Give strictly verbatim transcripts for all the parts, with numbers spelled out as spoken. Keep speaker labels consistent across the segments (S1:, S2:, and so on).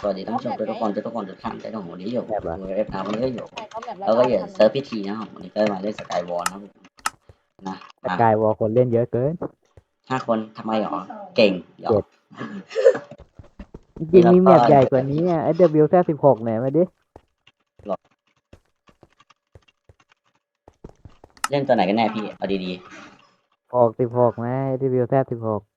S1: สวัสดีท่านผู้ชมทุกคนทุกคนทุกท่านที่ชมวันนี้อยู่
S2: แบบว่า
S1: ดูเอฟนะวันนี้ก็อยู่
S3: ใช่เขาแบบแล้ว
S1: แล้ว
S3: ก็
S1: ก็อย่า
S3: ทำ
S1: เซิร์ฟพิธีนะครับวันนี้ก็มาเล่นสกายวอลนะครับผมนะ
S2: สกายวอลคนเล่นเยอะเกิน
S1: ห้าคนทำไมหรอเก่งหรอ
S2: จริงๆมีแมปใหญ่กว่านี้อ่ะ เอส ดับเบิลยู แซด สิบหกเนี่ยมาดิ
S1: เล่นตัวไหนกันแน่พี่เอาดี
S2: หกสิบหกไหม เอส ดับเบิลยู แซด สิบหก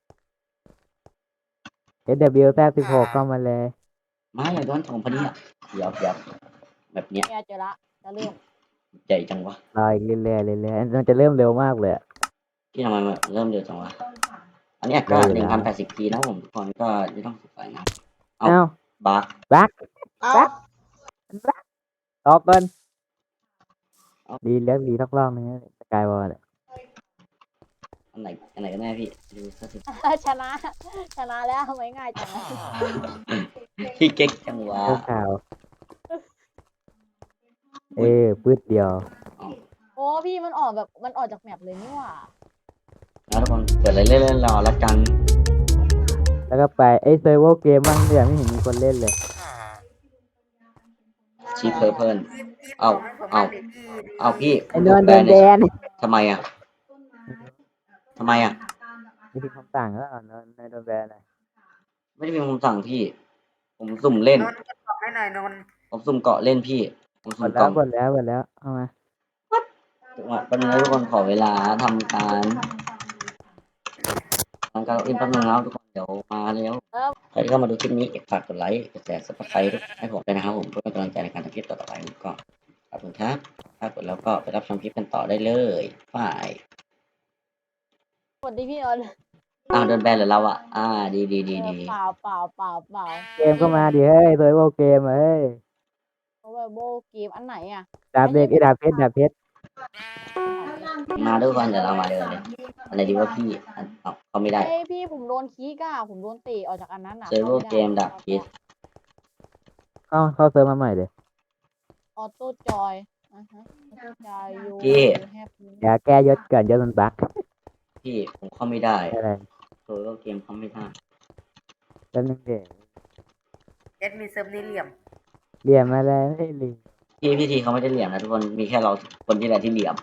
S2: เอส ดับเบิลยู แซด สิบหกเข้ามาเลย
S1: ๆมาอย่างโดนถงพอดีอ่ะเดี๋ยวเดี๋ยวแบบเนี้ย
S3: เนี่ยเจอละจะเริ่ม
S1: ใหญ่จังวะ
S2: รออีกเรื่อยๆเรื่อยๆมันจะเริ่มเร็วมากเลยอะ
S1: พี่ทำไมมันเริ่มเร็วจังวะอันนี้ก็หนึ่งพันแปดสิบพีนะผมทุกคนก็ไม่ต้องสงสัยนะ เอา
S2: เอ้า
S1: บัก
S2: บัก
S3: เอา
S2: บักบักออกก่อน
S1: เอา
S2: ดีแล้วดีทักรอบนึงสกายวอลเนี่ย
S1: อันไหนอันไหนกันแน่พี่ดูสักที
S3: ชนะ ชนะแล้วทำไมง่ายจังวะ
S1: พี่เก๊กจังวะ
S2: เจ้าข่าว เอ้ปืดเดียว
S3: โอ้พี่มันออกแบบมันออกจากแมปเลยนี่หว่า
S1: แล้วทุกคนเกิดอะไรเล่นๆรอแล้วกัน
S2: แล้วก็ไปไอ้เซอร์เวอร์เกมบ้างเนี่ยไม่เห็นมีคนเล่นเลย
S1: ชีเพอร์เพิลเอาเอาเอาพี่
S2: ไอ้นอนโดนแบน
S1: ทำไมอ่ะทำไมอ่ะ
S2: มีคำสั่งแล้วนอนโดนแบนเลย
S1: ไม่ได้เป็นคำสั่งพี่ ผมสุ่มเล่น
S4: นนท์ก็ตอบให้หน่อยนนท์
S1: ผมสุ่มเกาะเล่นพี่ ผม
S2: หม
S1: สุ่
S2: ด
S1: ม
S2: แล้
S1: เกาะ
S2: วหมดแล้วหมดแล้วเอามา
S1: จังหวะแป๊บนึงนะทุกคนขอเวลาทำการทำการอินแป๊บนึงแล้วทุกคนเดี๋ยวมาแล้วใครที่เข้ามาดูคลิปนี้ฝากกดไลค์กดแชร์ซับสไครต์ให้ผมด้วยนะครับผมเพื่อเป็นกำลังใจในการทำคลิปต่อๆไปก็ขอบคุณครับถ้ากดแล้วก็ไปรับชมคลิปกันต่อได้เลยฝ่าย
S3: สวัสดีพี่ออน
S1: อ้าวโดนแบนเหรอเราอ่ะอ่าดีดีดีดี
S3: เปล่าเปล่าเปล่าเปล่า
S2: เกมก็มาดิเฮ้ยเซอร์เวอร์เกมเฮ้ย
S3: โอ้ยโบเกมอันไหนอ่ะ
S2: ดาบเด็กไอ้ดาบเพชรดาบเพชร
S1: มาด้วยกันเดี๋ยวเรามาเดินเลยอะไรดีว่าพี่อันเอาเขาไม่ได้
S3: เฮ้ยพี่ผมโดนคีก้าผมโดนเตะออกจากอันนั้นอ่ะ
S1: เซอร์เวอร์เกมดับพี
S2: เข้าเข้าเซิร์ฟมาใหม่เลย
S3: ออโต้จอยอ่ะฮะออโต้จอยยู
S1: พี่
S3: แฮปปี้
S2: อย่าแก้ยศก่อนยศมันบั๊ก
S1: พี่ผมเข้าไม่ได้
S2: อะไร
S1: เซอร์เวอร์เกมเข้าไม่ได้
S2: แล้วนึงเด็ก
S4: เอ็ดมีเซิร์ฟนี่เหลี่ยม
S2: เรียนมาแล้วไม่รี
S1: พี่พิธีเขาไม่ได้เหลี่ยมนะทุกคนมีแค่เราคนที่แหละที่เหลี่ยม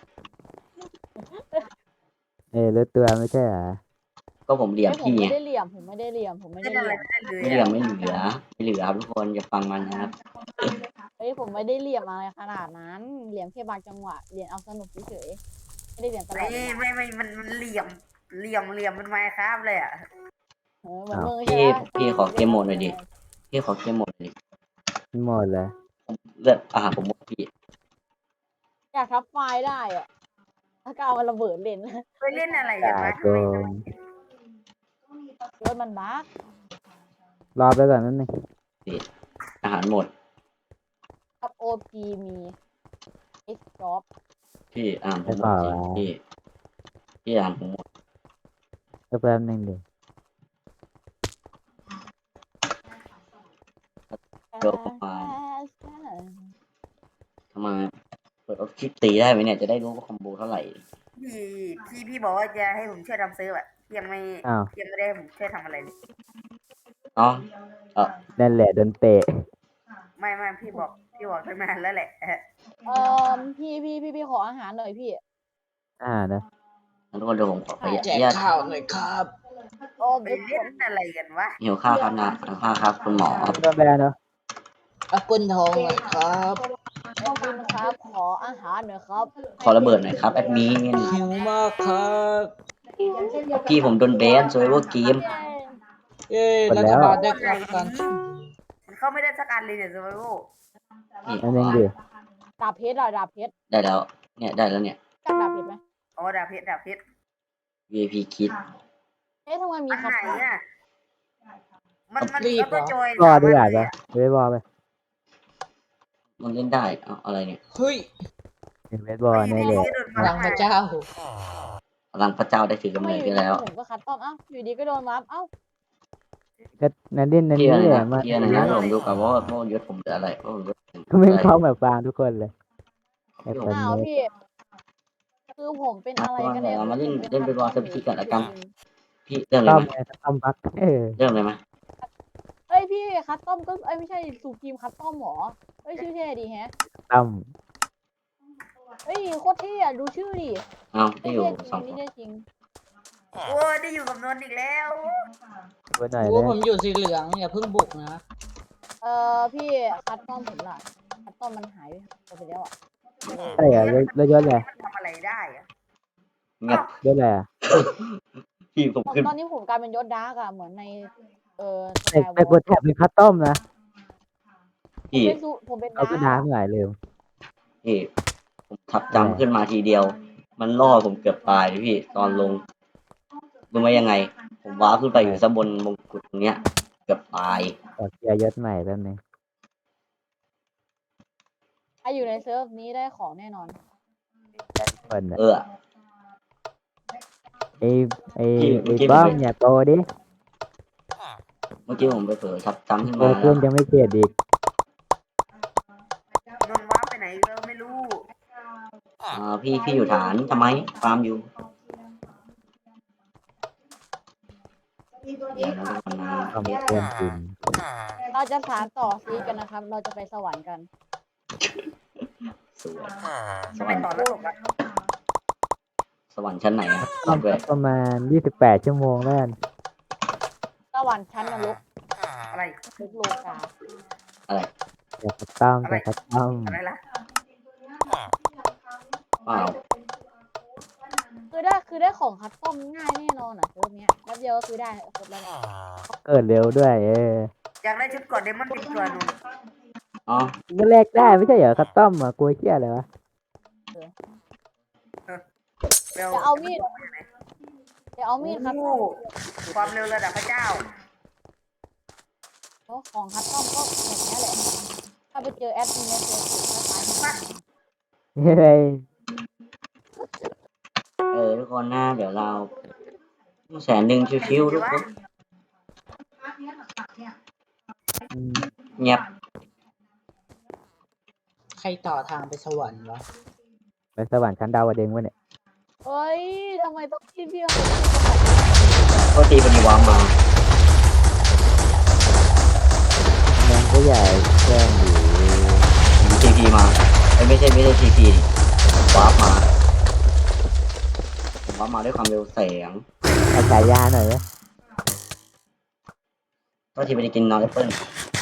S2: เอ้ยรู้ตัวไม่ใช่เหรอ
S1: ก็ผมเหลี่ยม
S3: เฮ้ยผม
S1: พี่ไง
S3: ไม่ได้เหลี่ยมผมไม่ได้เหลี่ยมผมไม่
S4: เล่
S3: ได้
S4: น
S3: เห
S4: อะไร
S3: ลี่ยม
S4: ไม่ได้เลย
S1: ไม่เหลี่ยมไม่เหลือไม่เหลือครับทุกคนอย่าฟังมันนะครับ
S3: เฮ้ยผมไม่ได้เหลี่ยมอะไรขนาดนั้น เหลี่ยมแค่บางจังหวะเหลี่ยมเอาสนุกเฉยๆไม่ได้เหลี่ยมตลอ
S4: ไม่
S3: ดเวลา
S4: ไม่ไม่มันมันเหลี่ยมเหลี่ยมเหลี่ยมมันไมครับเลยอ่ะ
S3: เออเหมือนมึง
S1: พี่
S3: ใช่ไหม
S1: พี่ขอเกมโหมดหน่อยดิพี่ขอเกมโหมดหน่อยดิ
S2: หมดเลย
S1: เลือดอาหารผมหมดพี่
S3: อยากทับไฟล์ได้อะถ้าก็เอามันระเบิดเล่น
S4: ไปเล่นอะไรกันวะ
S2: โกง
S3: รถมันบั๊ก
S2: รอไปก่อนนั่นนึง
S1: อาหารหมด
S3: กับโอพีมีเอ็กซ์จ็อบ
S1: พี่อาหารผมหมดจริงพี่พี่อาหารผมหมด
S2: ก็แป๊บนึงดิ
S1: เกิร์ลไฟทำไมเปิดออฟคลิปตีได้ไหมเนี่ยจะได้รู้ว่าคอมโบเท่าไหร่
S4: พี่พี่พี่บอกว่าจะให้ผมช่วยทำเซิร์ฟอ่ะยังไม่
S2: อ้าว
S4: ยังไม่ได้ให้ผมช่วยทำอะไรเลย
S1: อ๋อเออ
S2: นั่นแหละโดนเตะ
S4: ไม่ไม่พี่บอกพี่บอกตั้งนานแล้วแหละ
S3: เออพี่พี่พี่พี่ขออาหารหน่อยพี่
S2: อ่านะ
S1: ทุกคนเดี๋ยวผมขอขออนุ
S3: แจก
S1: ญาต
S3: ข้าวหน่อยครับโอ้
S4: ไป
S3: บิ๊ก
S4: เล่นอะไรกันวะ
S1: หิวข้าวครับนะหิวข้าวครับคุณหมอ
S2: โดนแบนเนาะ
S5: อัปเปิลทองหน่อยครับ
S3: ขอบคุณครับขออาหารหน่อยครับ
S1: ขอระเบิดหน่อยครับแอดมิน
S5: หิวมากครับ
S1: พี่ผมโดนแบนโซเวอร์เกม
S5: เย้รัฐบาลได้รับการ
S4: มันเข้าไม่ได้สักอันเลยเนี่ยเซอร์ไวโอ
S1: นี่
S2: นั่นเองดิ
S3: ดาบเพชรอะดาบเพชร
S1: ได้แล้ว เนี่ยได้แล้วเนี่ย
S3: จักดาบเพชรไหม
S4: อ๋อดาบเพชรดาบเพชร
S1: วี ไอ พี คิด
S3: เอ๊ะทำไมมี
S4: อัน
S3: คา
S4: ไหน
S3: ถา
S4: อ่ะมันมันเอาตัวจอย
S2: รอดีกว่าจ้ะเวทบอลไป
S1: มันเล่นได้เอาอะไรเนี่ย
S5: เฮ้ย
S2: เวทบอลในเลย
S5: พลังพระเจ้า
S1: พลังพระเจ้าได้ถือกำ
S3: ไม่
S1: เนิด
S3: อยู่
S1: ได้
S3: ดี
S1: แล้ว
S3: ผมก็คัดต้อมเอ้าอยู่ดีก็โดนวับเอ้า
S2: ก็นั่นเล่นนั่น
S1: พี่
S2: นี่
S1: อะไร
S2: แห
S1: นะ
S2: ละมา
S1: พี่อะไรนะผมดูกับว่าว่ายศผมเหลืออะไรว่าผมยศ
S2: ก็ไม่เข้าแบบฟางทุกคนเลยไอ้คน
S3: อ้าว
S2: นี้
S3: พี่คือผมเป็นอะไรกันเนี่ย
S1: เรามาเล่นเล่นเป็นวอลเซอร์พิธีกันละกัน
S3: จริง
S1: พี่เริ่มเลย
S2: ต้อ
S1: ไห
S2: ม
S1: ม
S2: ไงต้อมบักเออ
S1: เริ่มเลยไหม
S3: เฮ้ยพี่คัสตอมก็เอ้ยไม่ใช่สูพีมคัสตอมหรอเอ้ยชื่อเท่ดีแฮะ
S2: ตั้ม
S3: เฮ้ยโคตรเท่อะดูชื่อดิ
S1: เอา
S3: เท่
S1: ที่อยู่
S3: จริง
S1: สอ
S3: อั
S1: ง
S3: น
S1: ค
S3: นี้
S1: น
S3: เท่จริง
S4: โอ้ได้อยู่กับนนท์อีกแล้ว
S2: ดูหน่อย
S5: โอ้
S2: เลย
S5: ผมอยู่สีเหลืองอย่าเพิ่งบุกนะ
S3: เอ่อพี่คัสตอมผมล่ะคัสตอมมันหายไปแล้วอ่ะ
S2: ใช่เหรอแล้วแล้วยศอะไร
S4: มันทำอะไรได้อะ
S1: เงียบ
S2: ยศอะไรอ่ะ
S1: พี่ผมขึ้น
S3: ตอนนี้ผมกลายเป็นยศดาร์กอะเหมือนในเอ่อ
S2: แต่แต่กดแท็บเป็นคัสตอมนะ
S3: ผม
S1: พี่
S3: เป็นสูผมเป็น
S2: เอาก็
S3: ดา
S2: ดา
S3: ร์
S2: ร์
S3: ก
S2: กหลายเร็ว
S1: พี่ผมทับจำขึ้นมาทีเดียว มันล่อผมเกือบตายเลยพี่ ตอนลงรู้ไหมยังไง ผมว้าร์ปขึ้นไปอยู่ซะบนมงกุฎตรงเนี้ย เกือบตาย
S2: ขอเคลียร์ยศใหม่แป๊บนึง
S3: ใครอยู่ในเซิร์ฟนี้ได้ของแน่นอน
S2: คนอ่ะ
S1: เออ
S2: ไอ้ไอ้
S1: พี่
S2: ไอ้
S1: พี่
S2: บ้อง
S1: ผม
S2: อย่าโตดิ
S1: เมื่อกี้ผมไปเผลอทับจำขึ้น
S2: โต
S1: มาแล้
S2: ขึ้
S1: วน
S2: ยังไม่เกลียดอีก
S4: นนท์ว้าร์ปไปไหนก็ไม่รู้
S1: อ่าพี่พี่อยู่ฐานทำไมฟาร์มอยู่เดี๋ยวนะทุกคนนะ
S2: ต้องมีเพื่อนกิน
S3: เราจะสานต่อซีกันนะครับ เราจะไปสวรรค์กัน
S1: สวยส
S4: จะ
S1: ว
S4: ไป
S1: รรค์
S4: ต่อแล้วหรอกอะ
S1: สวรรค์ชั้นไหนอะ
S2: ต้อง
S1: ด้วย
S2: ประมาณยี่สิบแปดชั่วโมงแล้วกัน
S3: สวรรค์ชั้นนรก
S4: อะไร
S3: ลุกโลกา
S1: อะไร
S2: อย่าคัสตอมอย่าคัสตอม
S4: อะไรล่ะ
S1: อ้าว
S3: คือได้คือได้ของคัสตอมง่ายแน่นอนอ่ะเซิร์ฟเนี้ยแป๊บเดียวก็คือได้ครบแล้วเนี่ย
S2: เกิดเร็วด้วยเออ
S4: อยากได้ชุดก่อนเดมอนติดตัวนนท์
S1: อ๋อ
S2: ก็แลกได้ไม่ใช่เหรอคัสตอมอ่ะกลัวเชี่ยอะไรวะ
S4: เร็ว
S3: จะเอามีดจะเอามีดคัสต
S4: โอ้
S3: อม
S4: ความเร็วระดับพระเจ้า
S3: เพราะของคัสตอมก็แบบเนี้ยแหละ ถ้าไปเจอแอดมินในเฟซบุ๊กก็ตายหา
S2: เฮ้ย
S1: เออทุกคนนะเดี๋ยวเราแสนหนึ่งชิวๆทุกคน
S2: อืม
S1: เงียบ
S5: ใครต่อทางไปสวรรค์วะ
S2: ไปสวรรค์ชั้นดาวดึงส์วะเนี่ย
S3: เฮ้ยทำไมต้องคิดพี่เขา
S1: โทษทีพอดีวางมา
S2: แมงก็ใหญ่แกล้งอยู่
S1: ผมทีพีมาเอ้ยไม่ใช่ไม่ใช่ทีพีวาร์ปมาผมวาร์ปมาด้วยความเร็วแสง
S2: เอาฉายาหน่อยไหม
S1: โทษทีไม่ได้กินนอนแอปเปิ้ล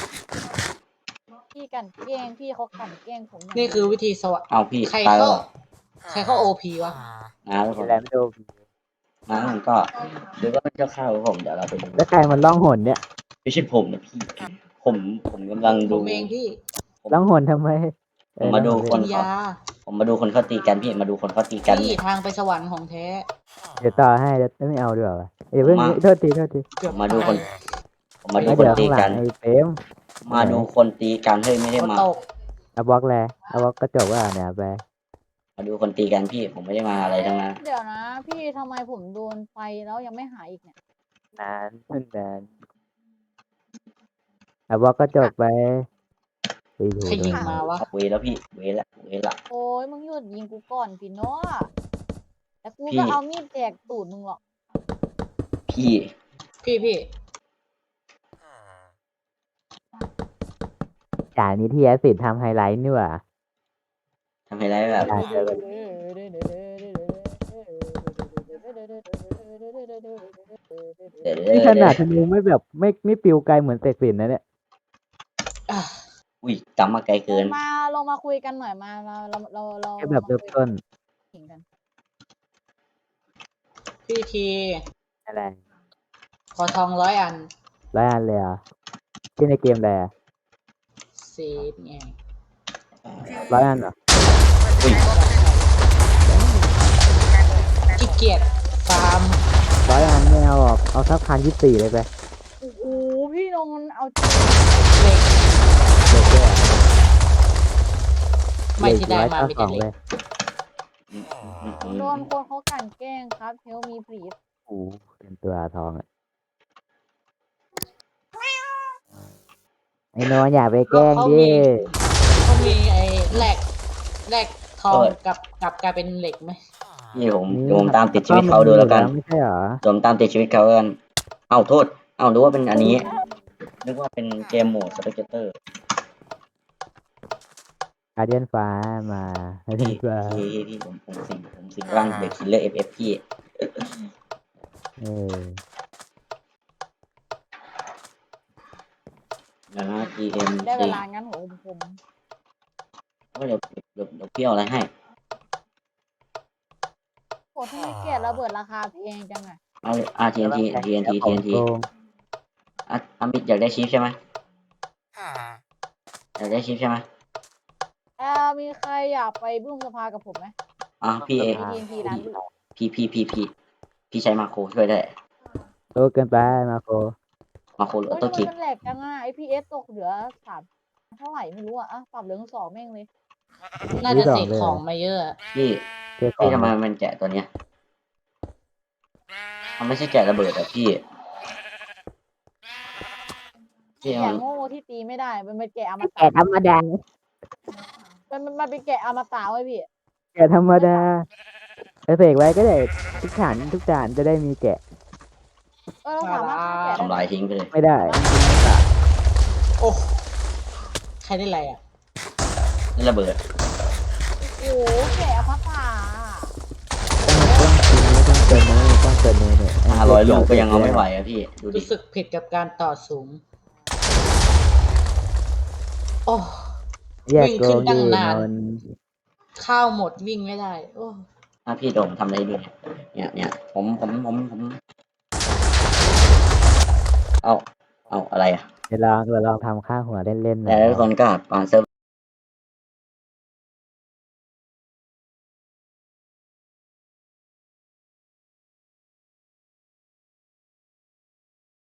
S3: พี่กันแกล้งพี่เขากันแกล้งผม
S5: นี่คือวิธีสวรรค์
S1: เอาพี่
S5: ใคร
S1: ตายแล้
S5: เข้าว
S1: เหรอ
S5: ใครเข้าโอพีวะ
S1: นะทุกคน
S2: อะไรไม่รู้
S1: นะผมก็หรือว่าเป็นเจ้าข้าวของผมเดี๋ยวเราไปดู
S2: แล้วใครมันล่องหนเนี่ย
S1: ไม่ใช่ผมนะพี่ ผมผมกำลัง
S5: ผ
S1: ดู
S5: มเองพี่
S2: ล่องหนทำไมเออ
S1: ผมมาดู
S2: ล่องห
S1: คน
S5: กินยา
S1: ผมมาดูคนเขาตีกันพี่มาดูคนเขาตีกัน
S5: พี่ทางไปสวรรค์ของแท้
S2: เดี๋ยวต่อให้เดี๋ยวไม่เอาดีกว่าวะเดี๋ยวเพิ่ง
S1: มา
S2: โทษทีโทษที
S5: เกือบ
S1: มาดูคน
S5: ตาย
S1: ผมมาดู
S2: แล้ว
S1: คน
S2: เดี๋ยว
S1: ตี
S2: ข้างหลั
S1: กั
S2: ง
S1: น
S2: ไอ้เฟรม
S1: มาดูคนตีกันเฮ้ยไม่ได้
S5: ฝน
S1: มา
S5: ตก
S2: เอาบล็อกแลเอาบล็อกกระจกว่าเนี่ยไป
S1: มาดูคนตีกันพี่ผมไม่ได้มาอะไรทั้งนั้น
S3: เดี๋ยวนะ พี่ทำไมผมโดนไฟแล้วยังไม่หายอีกเนี่ย
S2: นานนานเอาบล็อกกระจกไปไปดู
S5: ใครยิงมาวะ
S1: เวแล้วพี่เวละเวละ
S3: โอ้ยมึงหยุดยิงกูก่อนพี่เนาะแต่กู
S1: พี่
S3: ก็เอามีดแจกตูดมึงหรอก
S1: พี่
S5: พี่พี่
S2: จากนี้ที่แอสซิดทำไฮไลท์นี่หว่า
S1: ทำให้ได้แบบ
S2: ได้เจอกัน
S1: เดี๋ยว
S2: นี่ขนาดธนูไม่แบบไม่ไม่ปิวไกลเหมือนเสกสินนะเนี่ย
S5: อ่ะ
S1: อุ้ยจำมาไกลเกิน
S3: มาลงมาคุยกันหน่อยมาเราเราเราเรา
S2: แค่แบบเริ่มต้น
S3: ขิงกัน
S5: พี่ที
S2: อะไร
S5: ขอทองร้อยอัน
S2: ร้อยอันเลยเหรอ่ะที่ในเกมอะไรอะ
S5: สีไง
S2: ร้อยอันเหรอ
S1: อุ้ย
S5: ขี้เกียจฟาร์ม
S2: ร้อยอันไม่เอาหรอกเอาสักพันยี่สิบสี่เลยไป
S3: โอ้โหพี่นนท์เอา
S5: เหล็ก
S2: เด็กด้วย
S5: ไม่ที่ได้มา
S2: ร้อย
S5: มี
S2: เก้าส
S5: แต่
S2: อง
S5: เห
S2: เล
S5: ล็
S2: ย
S5: ก
S1: อืมอืมอืม
S3: โดนคนเขากลั่นแกล้งครับเฮลมีพรีด
S2: โอ้โหเป็นตัวทองอ่ะไอ้โนนอย่าไปแกล้งดิ
S5: เขามีไอ้แหลกแหลกทองกับกับกลายเป็นเหล็กไหม
S1: พี่ผมผมตามติดชีวิตเขาดูแล้วกัน
S2: ไม่ใช่เหรอ
S1: ผมตามติดชีวิตเขาแล้วกันเอ้าโทษเอ้ารู้ว่าเป็นอันนี้ นนึกว่าเป็นเกมโหมดสเปกเตอร์
S2: การเดียนฟ้ามาการเดีย
S1: พี่
S2: นฟ้า
S1: พี่พี่พี่ผมผมสิงผมสิงร่างเด็กคิลเลอร์เอฟเอฟพี่
S2: เออ
S1: นะฮะ ที เอ็ม
S3: ได้เว
S1: ซี
S3: ลางั้นหัวผมผม
S1: ก็เดี๋ยวเดี๋ยวเดี๋ยวพี่เอาอะไรให้
S3: โหทำไมเกลียดระเบิดราคาแพงจังอะ
S1: เอา อาร์ ที เอ็น ที ที เอ็น ที ที เอ็น ที
S2: โกง
S1: อ่ะอามิดอยากได้ชิปใช่ไหมอยากได้ชิปใช่ไหม
S3: เออมีใครอยากไปบุ้งสภากับผมไหม
S1: อ่ะพี่เอ
S3: ทีทีร้านบุ้ง
S1: พี่พี่พี่พี่พี่ใช้มาโครช่วยได้
S2: โตเกินไปมาโค
S1: มาโครหรือ
S3: โอ้
S1: อย อโต้
S3: ทำไม
S1: คิก
S3: มันแหลกจังอะไอพีเอสตกเหลือสามเท่าไหร่ไม่รู้อะอ่ะปรับเหลือสองแม่งเลย
S5: น่าจะเสกของมาเยอะอะ
S1: พี่
S2: เจ้าขอ
S1: พี่
S2: ง
S1: ทำไมมันแกะตัวเนี้ยมันไม่ใช่แกะระเบิดอะพี่พี่
S3: แกะ
S1: มัน
S3: โง่ที่ตีไม่ได้ มันเป็นแกะอมตะ
S2: แกะธรรมดา
S3: มันมันมันเป็นแกะอมตะไว้ยพี่
S2: แกะธรรมดาเออเสกไว้ก็ได้ทุกฐานทุกฐานจะได้มีแกะ
S3: เออเราสามารถฆ่าแกะได้
S1: ทำลายทิ้งไปเลย
S2: ไม่ได้
S5: โอ้ใครได้ไรอ่ะ
S1: นี่ระเบิด
S3: โอ้โหแกะอมตะ
S2: ต้องเติมเนื้อต้องเติมเนื้อเนี่ย
S1: ห้าร้อยลูกก็ยังเอาไม่ไหวอะพี่ดูดิ
S5: รู้สึกผิดกับการต่อสูง โอ้
S2: แยกโก
S5: วิ่งขึ้
S2: ง
S5: นตั้
S2: ดี
S5: งนาน
S2: นอน
S5: ข้าวหมดวิ่งไม่ได้ โอ้
S1: ถ้าพี่โดมทำอะไรให้ดูเนี่ยเนี่ยเนี่ยผมผมผมผมเอาเอาอะไรอะ
S2: เดี๋ยวลองเราลองทำข้างหัวเล่นๆหน่
S1: แต่
S2: อย
S1: ทุกคนก็อ่าเซิร์ฟ